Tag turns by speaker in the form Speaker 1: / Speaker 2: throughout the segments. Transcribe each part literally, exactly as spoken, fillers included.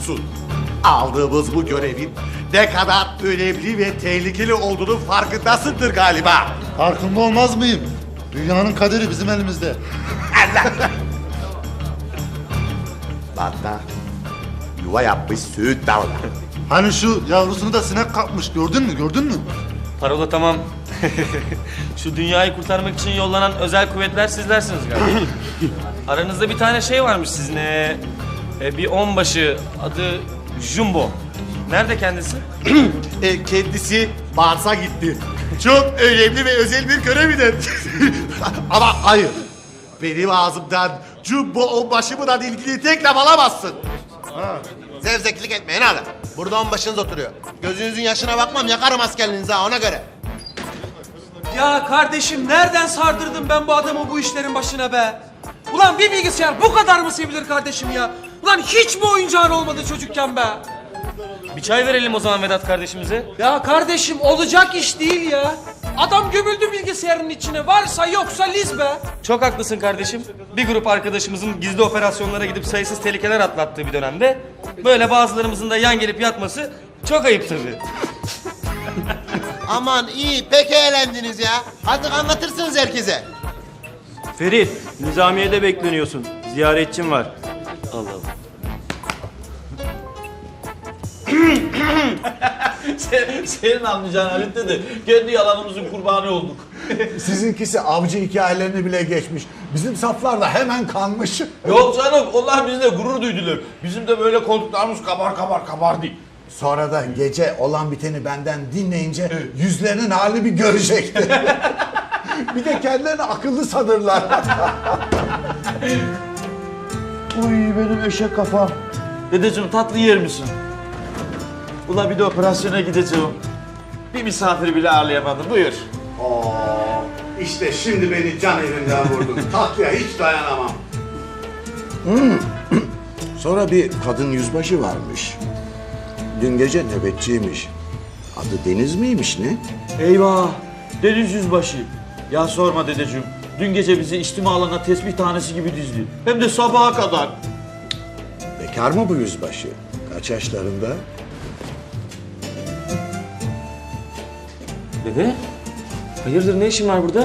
Speaker 1: musun? Aldığımız bu görevin ne kadar önemli ve tehlikeli olduğunu farkındasındır galiba.
Speaker 2: Farkında olmaz mıyım? Dünyanın kaderi bizim elimizde.
Speaker 1: Hatta yuva yapmış Söğüt Dağı'na.
Speaker 2: Hani şu yavrusunu da sinek kapmış, gördün mü, gördün mü?
Speaker 3: Parola tamam. Şu dünyayı kurtarmak için yollanan özel kuvvetler sizlersiniz galiba. Aranızda bir tane şey varmış sizin. Ee, e, bir onbaşı adı Jumbo. Nerede kendisi?
Speaker 1: E, kendisi Mars'a gitti. Çok önemli ve özel bir görevidir. Ama hayır. Benim ağzımdan Jumbo onbaşımla ilgili tek laf alamazsın.
Speaker 4: Zevzeklik etmeyin hala. Burada onbaşınız oturuyor. Gözünüzün yaşına bakmam, yakarım askerliğinizi ha, ona göre.
Speaker 5: Ya kardeşim nereden sardırdım ben bu adamı bu işlerin başına be? Ulan bir bilgisayar bu kadar mı sevilir kardeşim ya? Ulan hiç mi oyuncağın olmadı çocukken be?
Speaker 3: Bir çay verelim o zaman Vedat kardeşimize.
Speaker 5: Ya kardeşim olacak iş değil ya. Adam gömüldü bilgisayarın içine. Varsa yoksa liz be.
Speaker 3: Çok haklısın kardeşim. Bir grup arkadaşımızın gizli operasyonlara gidip sayısız tehlikeler atlattığı bir dönemde böyle bazılarımızın da yan gelip yatması çok ayıp tabii.
Speaker 4: Aman iyi, pek eğlendiniz ya. Artık anlatırsınız herkese.
Speaker 6: Ferit, Nizamiye'de bekleniyorsun. Ziyaretçim var.
Speaker 3: Allah Allah.
Speaker 7: Sen, senin anlayacağın Halit dedi. Kendi yalanımızın kurbanı olduk.
Speaker 8: Sizinkisi avcı hikayelerini bile geçmiş. Bizim saflar da hemen kanmış.
Speaker 7: Yok canım, onlar bizle gurur duydular. Bizim de böyle koltuklarımız kabar kabar kabar değil.
Speaker 8: Sonra da gece olan biteni benden dinleyince yüzlerinin halini bir görecekti. Bir de kendilerini akıllı sanırlar.
Speaker 7: Uy benim eşek kafam. Dedeciğim tatlı yer misin? Ula bir de operasyona gideceğim. Bir misafiri bile ağırlayamadım. Buyur.
Speaker 1: Oo, işte şimdi beni can evinden vurdun. Tatlıya hiç dayanamam.
Speaker 8: Sonra bir kadın yüzbaşı varmış. Dün gece nöbetçiymiş. Adı Deniz miymiş ne?
Speaker 7: Eyvah! Deniz yüzbaşı. Ya sorma dedeciğim. Dün gece bizi içtima alana tesbih tanesi gibi dizdi. Hem de sabaha kadar.
Speaker 8: Bekar mı bu yüzbaşı? Kaç yaşlarında?
Speaker 3: Dede? Hayırdır ne işin var burada?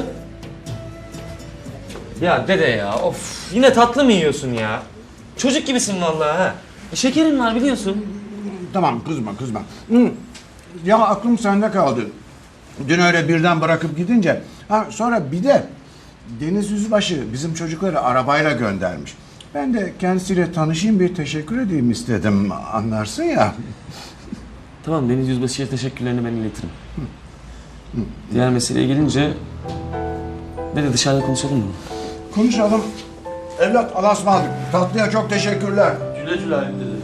Speaker 3: Ya dede ya of yine tatlı mı yiyorsun ya? Çocuk gibisin vallahi ha. E, şekerin var biliyorsun.
Speaker 8: Tamam kızma kızma. Hı. Ya aklım sende kaldı. Dün öyle birden bırakıp gidince. Ha, sonra bir de Deniz Yüzbaşı bizim çocukları arabayla göndermiş. Ben de kendisiyle tanışayım, bir teşekkür edeyim istedim, anlarsın ya.
Speaker 3: Tamam Deniz Yüzbaşı'ya teşekkürlerini ben iletirim. Diğer meseleye gelince... Dede dışarıda konuşalım mı?
Speaker 8: Konuşalım. Evlat, Allah'a ısmarladık. Tatlıya çok teşekkürler.
Speaker 7: Güle güle Halit dede.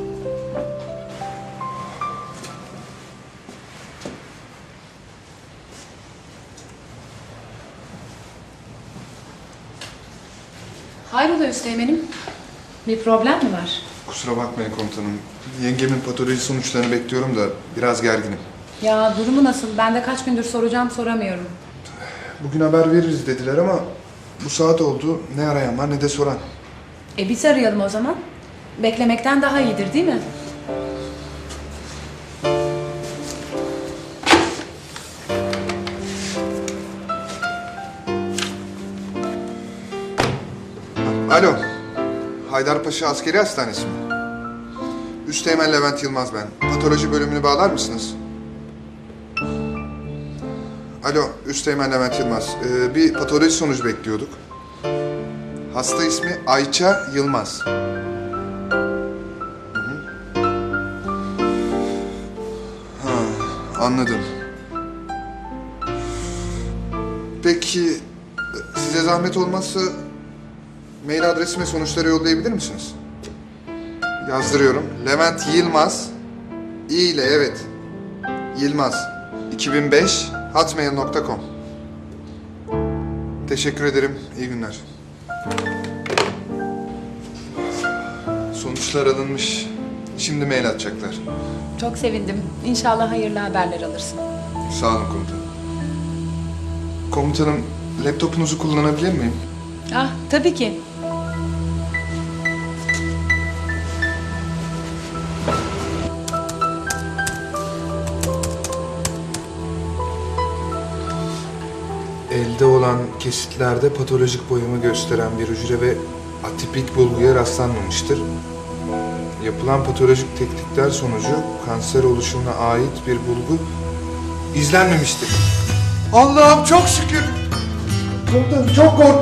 Speaker 9: Hayrola Üsteğmen'im? Bir problem mi var?
Speaker 10: Kusura bakmayın komutanım. Yengemin patoloji sonuçlarını bekliyorum da biraz gerginim.
Speaker 9: Ya durumu nasıl? Ben de kaç gündür soracağım soramıyorum.
Speaker 10: Bugün haber veririz dediler ama bu saat oldu. Ne arayan var ne de soran.
Speaker 9: E biz arayalım o zaman. Beklemekten daha iyidir değil mi?
Speaker 10: Alo. Haydarpaşa Askeri Hastanesi mi? Üsteğmen Levent Yılmaz ben. Patoloji bölümünü bağlar mısınız? Alo, Üsteğmen Levent Yılmaz. Ee, bir patoloji sonucu bekliyorduk. Hasta ismi Ayça Yılmaz. Hı hı. Ha, anladım. Peki, size zahmet olmazsa mail adresime sonuçları yollayabilir misiniz? Yazdırıyorum. Levent Yılmaz. İ ile evet. Yılmaz. iki bin beş hotmail nokta com. Teşekkür ederim. İyi günler. Sonuçlar alınmış. Şimdi mail atacaklar.
Speaker 9: Çok sevindim. İnşallah hayırlı haberler alırsın.
Speaker 10: Sağ olun komutanım. Komutanım, laptopunuzu kullanabilir miyim?
Speaker 9: Ah tabii ki.
Speaker 10: yapılan kesitlerde patolojik boyumu gösteren bir hücre ve atipik bulguya rastlanmamıştır. Yapılan patolojik tetkikler sonucu kanser oluşumuna ait bir bulgu izlenmemiştir.
Speaker 2: Allah'ım çok şükür. Komutanım çok kork.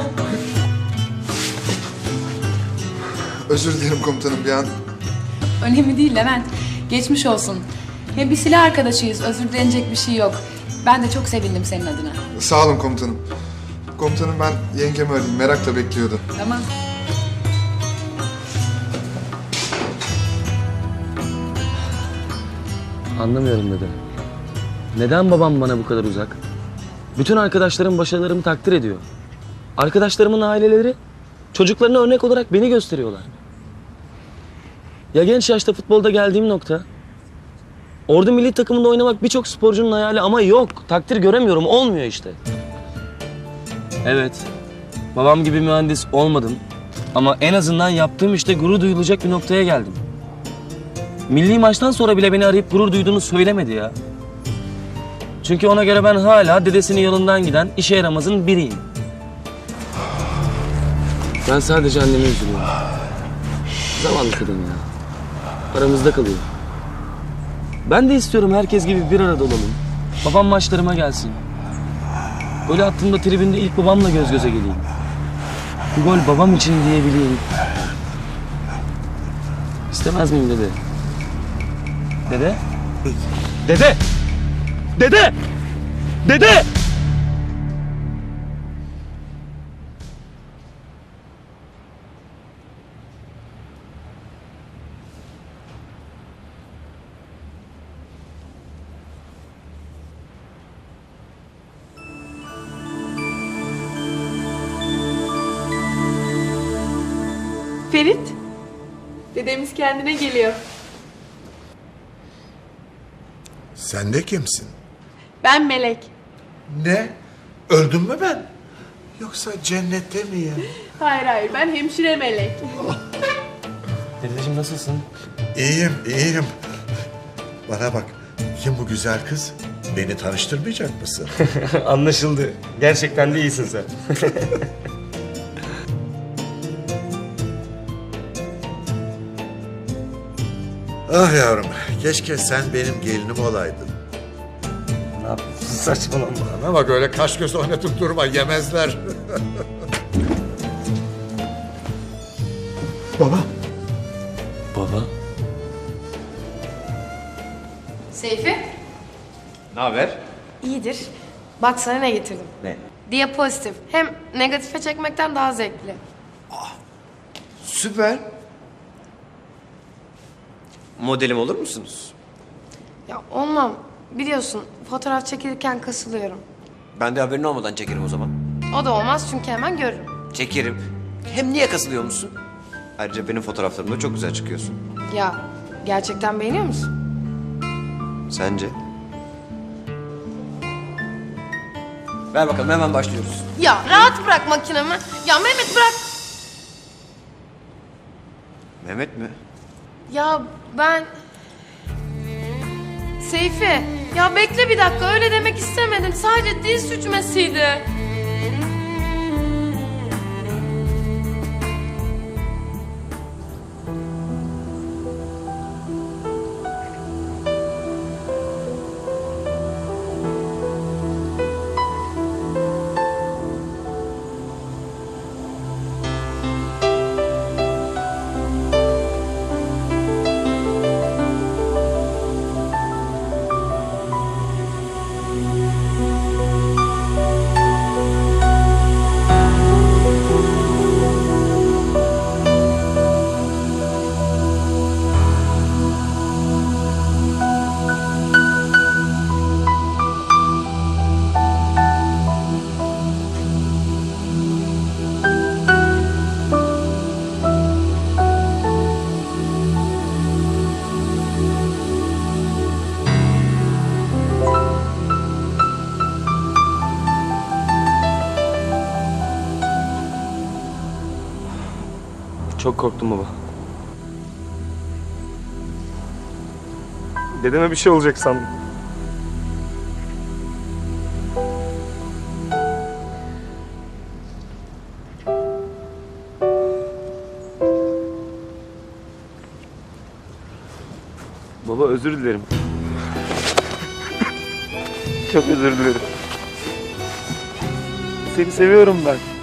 Speaker 10: Özür dilerim komutanım, bir an
Speaker 9: Önemli değil Levent. Geçmiş olsun. Hem biz silah arkadaşıyız. Özür dilenecek bir şey yok. Ben de çok sevindim senin adına.
Speaker 10: sağ olun komutanım. Komutanım ben yengemi arayayım, merakla bekliyordu.
Speaker 9: Tamam.
Speaker 3: Anlamıyorum dede. Neden babam bana bu kadar uzak? Bütün arkadaşlarım başarılarımı takdir ediyor. Arkadaşlarımın aileleri çocuklarına örnek olarak beni gösteriyorlar. Ya genç yaşta futbolda geldiğim nokta. Ordu milli takımında oynamak birçok sporcunun hayali ama yok. Takdir göremiyorum. Olmuyor işte. Evet. Babam gibi mühendis olmadım. Ama en azından yaptığım işte gurur duyulacak bir noktaya geldim. Milli maçtan sonra bile beni arayıp gurur duyduğunu söylemedi ya. Çünkü ona göre ben hala dedesinin yolundan giden işe yaramazın biriyim. Ben sadece anneme üzülüyorum. Zavallı kadın ya. Aramızda kalıyor. Ben de istiyorum herkes gibi bir arada olalım. Babam maçlarıma gelsin. Gol attığımda tribünde ilk babamla göz göze geleyim. Bu gol babam için diyebileyim. İstemez miyim dede? Dede? Dede! Dede! Dede!
Speaker 11: Ferit, dedemiz kendine geliyor.
Speaker 1: Sen de kimsin?
Speaker 11: Ben Melek.
Speaker 1: Ne? Öldüm mü ben? Yoksa cennette miyim?
Speaker 11: Hayır hayır, ben hemşire Melek.
Speaker 3: Dedeciğim nasılsın?
Speaker 1: İyiyim, iyiyim. Bana bak, kim bu güzel kız? Beni tanıştırmayacak mısın?
Speaker 3: Anlaşıldı. Gerçekten de iyisin sen.
Speaker 1: Ah yavrum, keşke sen benim gelinim olaydın.
Speaker 3: Ne yapıyorsun? Saçmalama.
Speaker 1: Bana bak öyle kaş göz oynatıp durma, yemezler. Baba.
Speaker 3: Baba.
Speaker 12: Seyfi?
Speaker 7: Ne haber?
Speaker 12: İyidir. Bak sana ne getirdim.
Speaker 7: Ne?
Speaker 12: Diapozitif. Hem negatife çekmekten daha zevkli.
Speaker 7: Süper. Modelim olur musunuz?
Speaker 12: Ya olmam. Biliyorsun fotoğraf çekilirken kasılıyorum.
Speaker 7: Ben de haberin olmadan çekerim o zaman.
Speaker 12: O da olmaz çünkü hemen görürüm.
Speaker 7: Çekerim. Hem niye kasılıyor musun? Ayrıca benim fotoğraflarımda çok güzel çıkıyorsun.
Speaker 12: Ya gerçekten beğeniyor musun?
Speaker 7: Sence? Ver bakalım, hemen başlıyoruz.
Speaker 12: Ya rahat bırak makinemi. Ya Mehmet bırak.
Speaker 7: Mehmet mi?
Speaker 12: Ya ben... Seyfi, ya bekle bir dakika, öyle demek istemedim. Sadece dil sürçmesiydi.
Speaker 3: Çok korktum baba. Dedeme bir şey olacak sandım. Baba özür dilerim. Çok özür dilerim. Seni seviyorum ben.